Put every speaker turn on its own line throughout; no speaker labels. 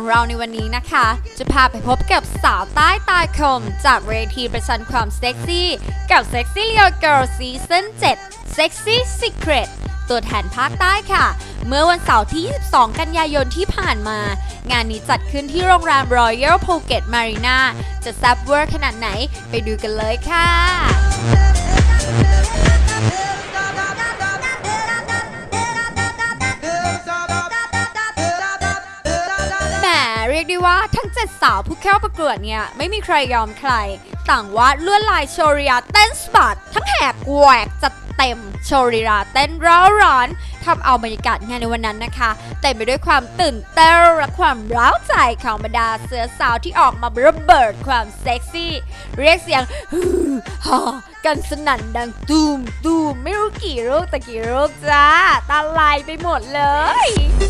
เราในวันนี้นะคะจะพาไปพบกับสาวใต้ตาคมจากเวทีประชันความเซ็กซี่กับ Sexy Leo Girl Season 7 Sexy Secret ตัวแทนภาคใต้ค่ะเมื่อวันเสาร์ที่ 22 กันยายนที่ผ่านมางานนี้จัดขึ้นที่โรงแรม Royal Phuket Marina จะแซ่บเวอร์ขนาดไหนไปดูกันเลยค่ะเรียกได้ว่าทั้ง7สาวผู้เข้าประกวดเนี่ยไม่มีใครยอมใครต่างวาดลวดลายโชว์ลีลาเต้นสะบัดทั้งแหกแหวกจัดเต็มโชว์ลีลาเต้นร้าวร้อนทำเอาบรรยากาศงานในวันนั้นนะคะเต็มไปด้วยความตื่นเต้นและความร้าวใจของบรรดาเสือสาวที่ออกมาระเบิดความเซ็กซี่เรียกเสียงฮือฮากันสนั่นดังตูมตูมไม่รู้กี่ลูกแต่กี่ลูกจ้าตาลายไปหมดเลย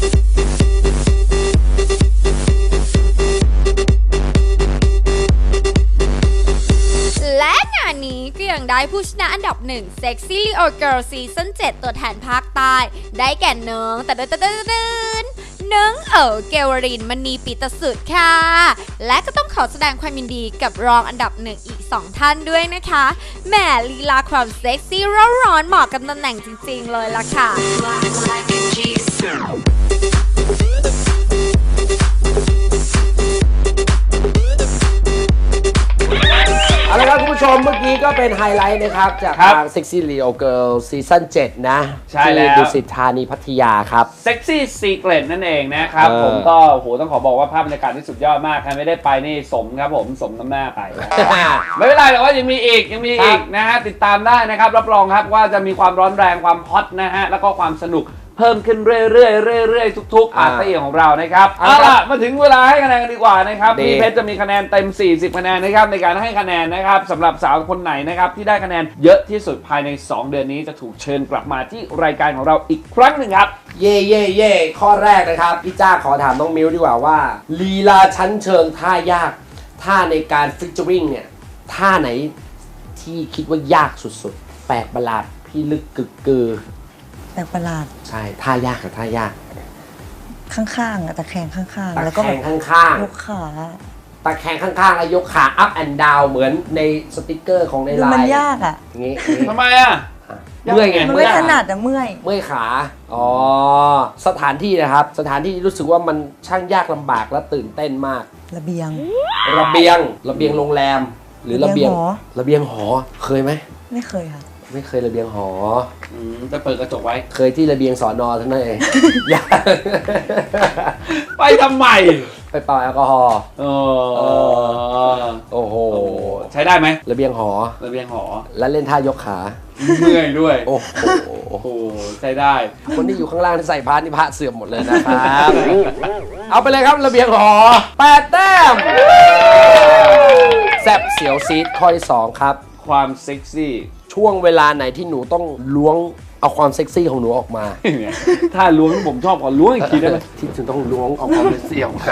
และงานนี้ก็ยังได้ผู้ชนะอันดับ1 Sexy Leo Girl Season 7 ตัวแทนภาคใต้ได้แก่น้องน้องเกวรินมณีปีตสุดค่ะและก็ต้องขอแสดงความยินดีกับรองอันดับ1อีก2ท่านด้วยนะคะแหมลีลาความเซ็กซี่ร้อนเหมาะกับตำแหน่งจริงๆเลยล่ะค่ะ
เอาละครับคุณผู้ชมเมื่อกี้ก็เป็นไฮไลท์นะครับจากทาง Sexy Leo Girl Season 7 นะ
ใช่แล้ว
ที่ดุสิตธานีพัทยาครับ
Sexy Secret นั่นเองนะครับผมก็โหต้องขอบอกว่าภาพบรรยากาศที่สุดยอดมากใครไม่ได้ไปนี่สมครับผมสมน้ำหน้าไป ไม่เป็นไรแต่ว่ายังมีอีกนะฮะติดตามได้นะครับรับรองครับว่าจะมีความร้อนแรงความฮอตนะฮะแล้วก็ความสนุกเพิ่มขึ้นเรื่อยๆทุกๆปาร์ตี้ของเรานะครับเอาล่ะมาถึงเวลาให้คะแนนกันดีกว่านะครับพี่เพชรจะมีคะแนนเต็ม40คะแนนนะครับในการให้คะแนนนะครับสำหรับสาวคนไหนนะครับที่ได้คะแนนเยอะที่สุดภายใน2เดือนนี้จะถูกเชิญกลับมาที่รายการของเราอีกครั้งหนึ่งครับ
เย่ข้อแรกนะครับพี่จ้าขอถามน้องมิวดีกว่าว่าลีลาชั้นเชิงท่ายากท่าในการฟิชเจอริงเนี่ยท่าไหนที่คิดว่ายากสุดๆแปลกประหลาดพี่ลึกกึกกือ
แปลกประหลาด
ใช่ท่ายากกับท่ายาก
ข้างๆตะแคงข้างๆ
แล้วก็ข้าง
ๆยกขา
ตะแคงข้างๆแล้วยกขา up and down เหมือนในสติกเกอร์ของในไลน์
มันยากอ่ะ
งี้
ทำไมอ่ะ
เมื่อยไง
ไม่ถนัดแต่เมื่อย
ขาอ๋อสถานที่นะครับสถานที่รู้สึกว่ามันช่างยากลำบากและตื่นเต้นมาก
ระเบียง
โรงแรมหรือระเบียงหอเคยไหม
ไม่เคยค่ะ
ไม่เคยระเบียงหอ
จะเปิดกระจกไว้
เคยที่ระเบียงสอนอทั้งนั้นเอง
ไปทำไม
ไปเป่าแอลกอฮอล์โอ้โห
ใช้ได้ไหม
ระเบียงหอแล้วเล่นท่ายกขา
เมื่อยด้วย
โอ้โห
ใช้ได้
คนที่อยู่ข้างล่างที่ใส่พานี่พระเสื่อมหมดเลยนะครับเอาไปเลยครับระเบียงหอ8 แต้มแซ่บเสียวซีดข้อที่2ครับ
ความเซ็กซี่
ช่วงเวลาไหนที่หนูต้องล้วงเอาความเซ็กซี่ของหนูออกมา
ถ้าล้วงผมชอบก่อนล้วงอีกทีได้ไหม
ที่หนูต้องล้วงเอาความเซ็กซี่ออกมา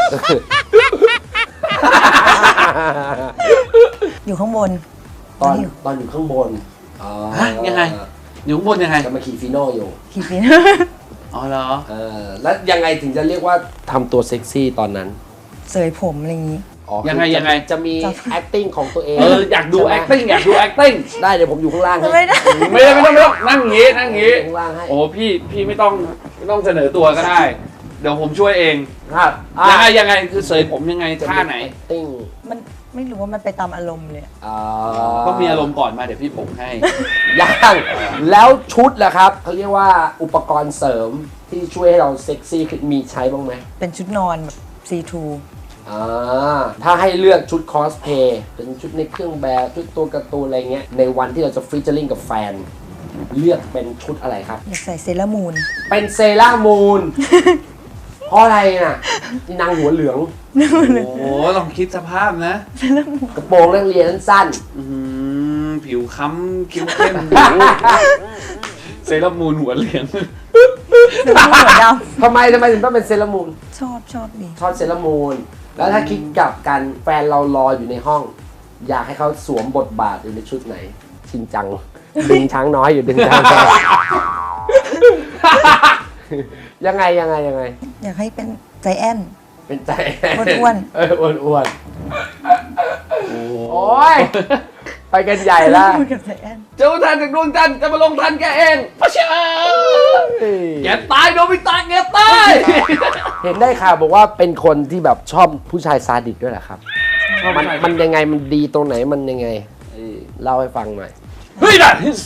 อยู่ข้างบน
ตอนอยู่ข้างบน
ยังไงอยู่ข้างบนยังไง
จะมาขี่ฟีโน่อยู่
ขี่ฟีโน่
อ๋อเหรอ
แล้วยังไงถึงจะเรียกว่าทำตัวเซ็กซี่ตอนนั้น
เสยผมอะไรอย่างนี้
ยังไง
จะมี acting ของตัวเอง
อยากดู acting
ได้เดี๋ยวผมอยู่ข้างล่างให้
ไม่ต้องนั่งอย่างงี้ข้างล่างให้โอ้พี่ไม่ต้องเสนอตัวก็ได้เดี๋ยวผมช่วยเองครับยังไงคือเสยผมยังไงท่าไหน
acting
มันไม่รู้ว่ามันไปตามอารมณ์เลย
ต้องมีอารมณ์ก่อนมาเดี๋ยวพี่ผมให้
ยังแล้วชุดล่ะครับเขาเรียกว่าอุปกรณ์เสริมที่ช่วยให้เราเซ็กซี่มีใช้บ้างไหม
เป็นชุดนอนแบบ C2
ถ้าให้เลือกชุดคอสเพย์เป็นชุดในเครื่องแบบชุดตัวการ์ตูนอะไรเงี้ยในวันที่เราจะฟีเจอริ่งกับแฟนเลือกเป็นชุดอะไรครับ
อยากใส่เซรามูน
เป็นเซรามูนเพราะอะไรน่ะนางหัวเหลือง
โอ้ลองคิดสภาพนะ
กระโปรงนักเรียนสั้น
ผิวค้ำคิ้วเข้มเซรามูนหัวเหลือง
หัวดำ
ทำไมถึงต้องเป็นเซรามูน
ชอบดี
ชอบเซรามูนแล้วถ้าคิดกับกันแฟนเรารออยู่ในห้องอยากให้เขาสวมบทบาทอยู่ในชุดไหนชินจังดึงช้างน้อยอยู่ดึงช้างยังไง
อยากให้เป็นใจแอน
เป็นใจ
อ้วน
อ้วนโอ้ยไปกันใหญ่ละ
พูดกับใจแอน
เจ้าทันจากดวงจันทร์จะมาลงทันแกเองพะเชาแกตายโดนไปตายแกตาย
เห็นได้ข่าวบอกว่าเป็นคนที่แบบชอบผู้ชายซาดิสด้วยเหรอครับมันยังไงมันดีตรงไหนมันยังไงเล่าให้ฟังหน่อย
เฮ้ยนะ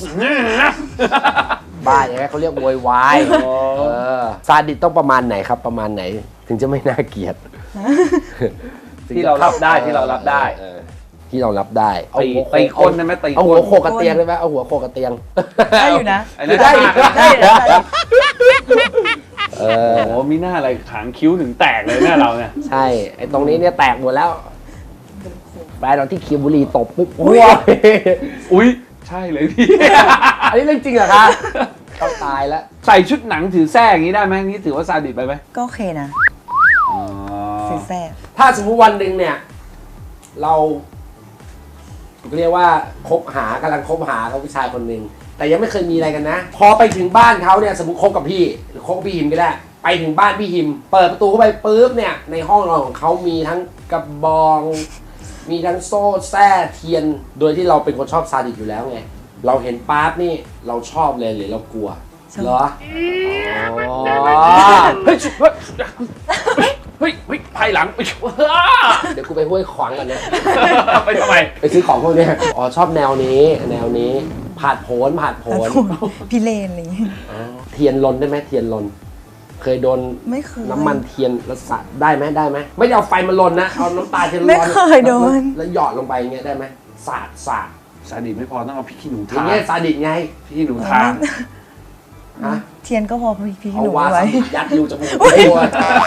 บ้าอย่างไรเขาเรียกโวยวายซาดิสต้องประมาณไหนครับประมาณไหนถึงจะไม่น่าเกลียด
ที่เรารับได้ที่เรารับได้
ที่เรารับได้
ตีคนได้ไหมตี
เอา
ค
หัวน โขกกับเตียงได้ไหมเอาหัวโขกกับเตียง
ได้อยู่นะ
ไอ้นั่น
ได้
ได้
ได้
โอ้โหมีหน้าอะไรหางคิ้วถึงแตกเลยหน้าเราเนี่ย
ใช่ไอ้ตรงนี้เนี่ยแตกหมดแล้วแฟนเราที่เคียวบุรีตบปุ๊บว้ย
อุ้ยใช่เลยพี่
อันนี้เรื่องจริงเหรอคะต้องตายแล้ว
ใส่ชุดหนังถือแส้อย่างนี้ได้ไหมนี่ถือว่าซาดิสไปไหม
ก็โอเคนะสีแซ่บ
ถ้าสมมติวันหนึ่งเนี่ยเราเรียกว่ากำลังคบหากับผู้ชายคนหนึ่งแต่ยังไม่เคยมีอะไรกันนะ พอไปถึงบ้านเขาเนี่ยสมมติคบกับพี่หรือคบกับพี่หิมก็ได้ไปถึงบ้านพี่หิมเปิดประตูเข้าไปปุ๊บเนี่ยในห้องนอนของเขามีทั้งกระบองมีทั้งโซ่แส้เทียนโดยที่เราเป็นคนชอบซาดิสอยู่แล้วไงเราเห็นปั๊บนี่เราชอบเลยหรือเรากลัวเหรออ๋อ
เฮ้ยเฮ้ยภายหลัง
เดี๋ยวกูไปห้วยขวางกันนะ
ไปทำไม
ไปซื้อของพวกเนี้ยอ๋อชอบแนวนี้ผ่านโผน
พี่เลนอะไรอย่างงี้
เทียนลนได้ไหมเทียนลน เคยโดน
ไม่เคย
น้ำมันเทียนแล้วสาดได้ไหมไม่ได้เอาไฟมาลนนะเอาน้ำตาเทียนร้อน
ไม่เคยโดน
แล้วหยอดลงไปอย่างเงี้ยได้ไหมสาด
ซาดิสไม่พอต้องเอาพริกขี้หนู
อ
ทา
ย่างเงี้ยซาดิสไง
พริกขี้หนูทา
ฮะ
เทียนก็พอพี่
เอา
หนู
วา
ไว้
ซาบิยัดอยู่จมูกตัว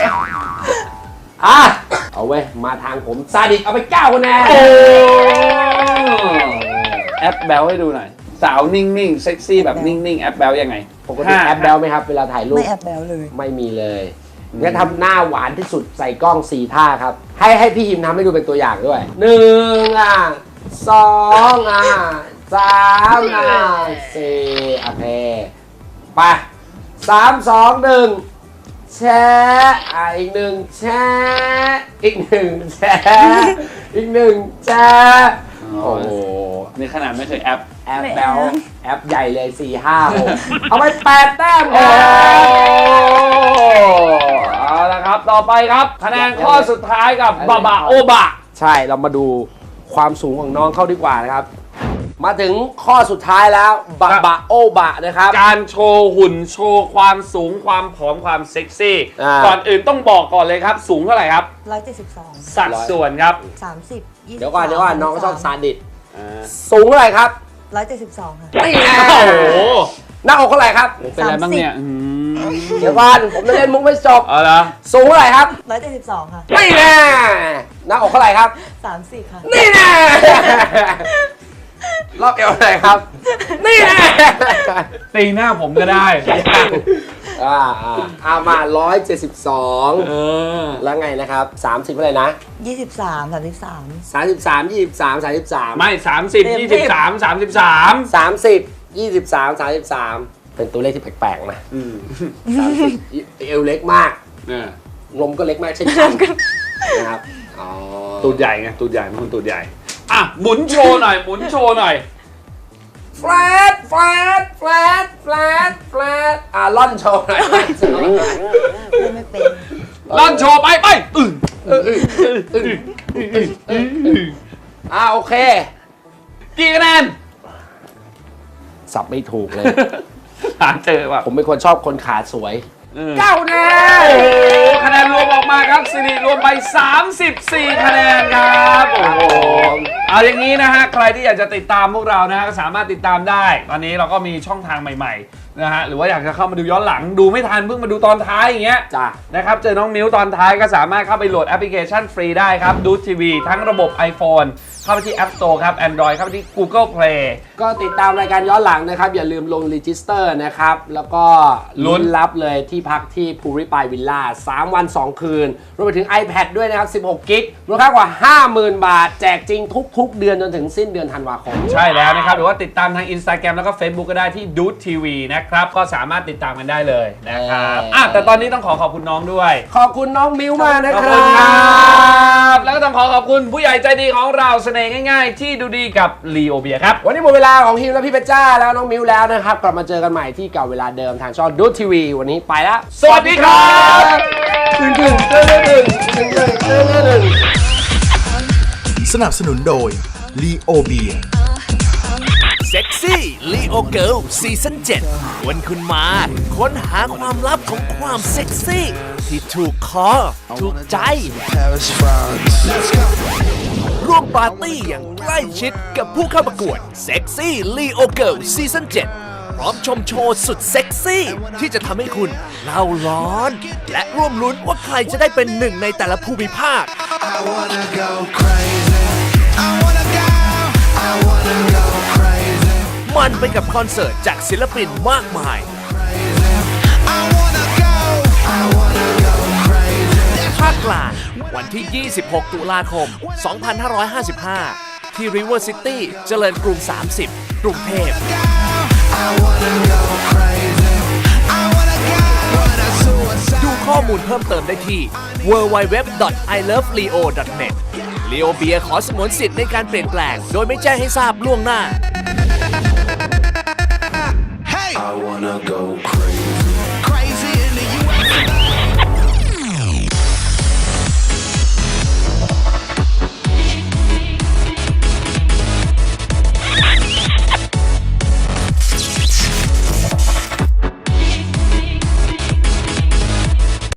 อ่ะเอาเว้ยมาทางผมซาดิสเอาไป9คะแนน
แอปแบลให้ดูหน่อยสาวนิ่งๆเซ็กซี่แบบนิ่งๆแอปแบลยังไง
ปกติแอปแบลไหมครับเวลาถ่ายรูป
ไม่แอบแบลเลย
ไม่มีเลยงั้นทำหน้าหวานที่สุดใส่กล้อง4ท่าครับให้พี่หิมทำให้ดูเป็นตัวอย่างด้วย1อ่ะ2อ่ะ3อ่ะ4โอเคไป3 2 1แชร์อีก1แชร์อีก1แชร์อีก1แชร์โอ้โห
นี่ขนาดไม่เคยแอป
แอปแบลแอปใหญ่เลย4 5 6เอาไป8 แต้มค
โอ้
รับ
เอาละครับต่อไปครับคะแนนข้อสุดท้ายกับบาบาโอบะ
ใช่เรามาดูความสูงของน้องเข้าดีกว่านะครับ มาถึงข้อสุดท้ายแล้วบะบะโอบะนะครับ
การโชว์หุ่นโชว์ความสูงความผอมความเซ็กซี่ ก่อนอื่นต้องบอกก่อนเลยครับ สูงเท่าไหร่ครับ
172
สัดส่วนครับ
30 20
เดี๋ยวก่อนน้องชอบซาดิสสูงเท่าไหร่ครับ
172 ค่ะ
นี่ไง
โอ้โห
หน้าอกเท่าไหร่ครับ
เป็นอะไรบ้างเนี่ย
เดี๋ยวก่อนผมจะเล่นมุกไม่จบ
เอาละ
สูงเท่าไหร่ครับ
172 ค่ะ
นี่แน่หน้าอกเท่าไหร่ครับ
30 ค่ะ
นี่แน่รอบเอวเท่าไหร่ครับ นี่แน่
ตีหน้าผมก็ได้
มา172 แล้วไงนะครับ 30เท่าไหร่นะ
23
33 23 33
ไม่ 30 23 33
30 23 33 เป็นตัวเลขที่แปลกๆนะ30เอวเล็กมาก
เนี่ย
นมก็เล็กมากเช่นกันนะครับอ๋อ
ตูดใหญ่ไงตูดใหญ่มันคนตูดใหญ่อ่ะหมุนโชว์หน่อยหมุนโชว์หน่อย
แฟลตแฟลตแฟลตแฟลตแฟลตล่อนโชว์หน่อย
ไม่เป็น
ล่อนโชว์ไปไป
โอเค
กี่คะแนน
สับไม่ถูกเลย
หาเจอว่ะ
ผมเป็นคนชอบคนขาสวย 9 คะแนน
โอ้โหคะแนนรวมออกมาครับสิริรวมไป 34 คะแนนครับโอ้โหเอาอย่างนี้นะฮะใครที่อยากจะติดตามพวกเรานะฮะก็สามารถติดตามได้ตอนนี้เราก็มีช่องทางใหม่ๆนะฮะหรือว่าอยากจะเข้ามาดูย้อนหลังดูไม่ทันเพิ่งมาดูตอนท้ายอย่างเงี้ย
จ้ะ
นะครับเจอน้องมิ้วตอนท้ายก็สามารถเข้าไปโหลดแอปพลิเคชันฟรีได้ครับดูทีวีทั้งระบบ iPhone เข้าไปที่ App Store ครับ Android เข้าไปที่ Google Play
ก็ติดตามรายการย้อนหลังนะครับ อย่าลืมลงรีจิสเตอร์นะครับ แล้วก็ลุ้นรับเลยที่พักที่ภูริปายวิลล่า3 วัน 2 คืน รวมไปถึง iPad ด้วยนะครับ 16 กิกมูลค่ากว่า 50,000 บาท แจกจริงทุกๆ เดือนจนถึงสิ้นเดือนธันวาคม
ใช่แล้วนะครับ หรือว่าติดตามทาง Instagram แล้วก็ Facebook ก็ได้ที่ Dude TV นะครับ ก็สามารถติดตามกันได้เลยนะครับแต่ตอนนี้ต้องขอบคุณน้องด้วย
ขอบคุณน้องมิวมากนะ
ขอบ
ค
คุ
รั
ณครับ
บ
แล้วก็ต้องขอบคุณผู้ใหญ่ใจดีของเราเสน่ห์ง่ายๆ ที่ดูดีกับลีโอเบียครับ
วันนี้หมดเวลาของฮิมและพี่เพชรจ้าแล้วน้องมิวแล้วนะครับ กลับมาเจอกันใหม่ที่เก่าเวลาเดิมทางช่องดูทีวีวันนี้ไปแล้ว
สวัสดีครับ
สนับสนุนโดย ลีโอเบีย
เซ็กซี่ลีโอเกิลซีซั่น7วันคุณมาค้นหาความลับของความเซ็กซี่ ที่ถูกคอถูกใจ ร่วมปาร์ตี้อย่างใกล้ชิดกับผู้เข้าประกวดเซ็กซี่ลีโอเกิลซีซั่น7พร้อมชมโชว์สุดเซ็กซี่ ที่จะทำให้คุณเล่าร้อน และร่วมลุ้นว่าใครจะได้เป็นหนึ่งในแต่ละภูมิภาค มันไปกับคอนเสิร์ตจากศิลปินมากมาย ภาคกลางวันที่ 26 ตุลาคม 2555 ที่ River City เจริญกรุง 30 กรุงเทพ ดูข้อมูลเพิ่มเติมได้ที่ www.iloveleo.net ลีโอเบียขอสงวนสิทธิ์ในการเปลี่ยนแปลงโดยไม่แจ้งให้ทราบล่วงหน้า
I wanna go crazy.